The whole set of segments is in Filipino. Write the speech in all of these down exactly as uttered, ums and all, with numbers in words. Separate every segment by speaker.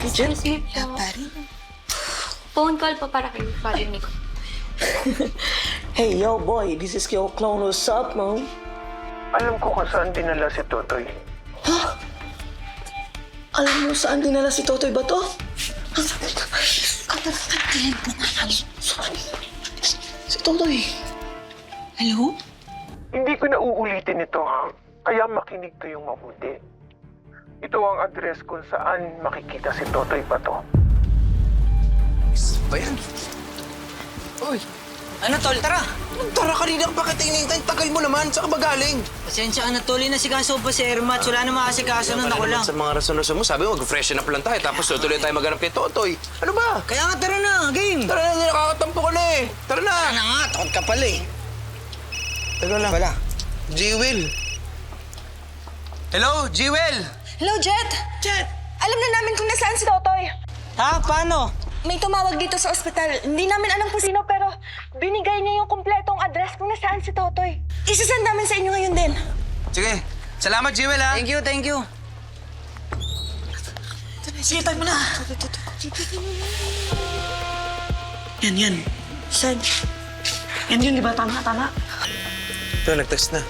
Speaker 1: Excuse me po.
Speaker 2: Pari.
Speaker 1: Phone call po para kay Father Nico.
Speaker 3: Hey, yo, boy, this is your clone. What's up, man?
Speaker 4: Alam ko kung saan dinala si Totoy.
Speaker 3: Ha? Alam mo saan dinala si Totoy ba to? Sorry. Si Totoy.
Speaker 2: Hello?
Speaker 4: Hindi ko na uulitin ito, ha? Kaya makinig kayong mabuti. Ito ang address kung saan makikita si Totoy Bato.
Speaker 5: Ba yan? Uy,
Speaker 6: Ano, tol? Tara!
Speaker 5: anong tara kanina ka pa kita hinihintay? Tagal mo naman. Saan ka ba galing?
Speaker 6: Pasensya ka na, tol. Inasikaso pa si Ermat. Wala na makasikaso nun. Ako lang.
Speaker 5: Sa mga rason-rason mo, sabi mo, mag-freshen up lang tayo. Tapos tutuloy tayo maghanap kay Totoy. Ano ba?
Speaker 6: Kaya nga, tara na. Game!
Speaker 5: Tara na, hindi nakakatampo ka na eh. Tara na.
Speaker 6: Ano nga, takot ka pala eh.
Speaker 5: Teka lang.
Speaker 6: Wala.
Speaker 5: Jewel. Hello, Jewel.
Speaker 2: Hello, Jet! Jet! Alam na namin kung nasaan si Totoy.
Speaker 6: Ha? Paano?
Speaker 2: May tumawag dito sa ospital. Hindi namin alam kung sino, pero binigay niya yung kumpletong address kung nasaan si Totoy. Isasend namin sa inyo ngayon din.
Speaker 5: Sige. Salamat, Jewel, ha?
Speaker 6: Thank you, thank you.
Speaker 2: Sige, tayo mo na. Yan, yan. Send. Yan yun, di ba? Tama, tama.
Speaker 5: Ito, nag-text na.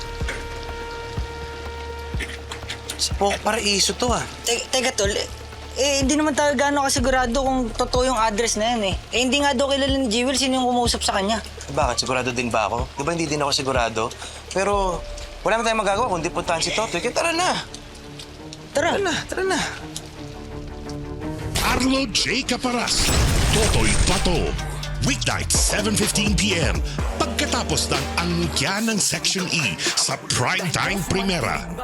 Speaker 5: Sa Poco Paraiso to, ah.
Speaker 6: Te- teka, tol. Eh, hindi naman tayo gaano kasigurado kung totoo yung address na yan eh. Eh, hindi nga daw kilala ni Jewel sino yung kumausap sa kanya.
Speaker 5: Bakit? Sigurado din ba ako? Di ba hindi din ako sigurado? Pero wala na tayong magagawa kundi puntahan si Totoy. Kaya tara na.
Speaker 6: Tara.
Speaker 5: Tara na, tara na.
Speaker 7: Arlo J. Caparas, Totoy Pato. Weeknight, seven fifteen p m Pagkatapos ng angkya ng Section E sa Primetime Primera.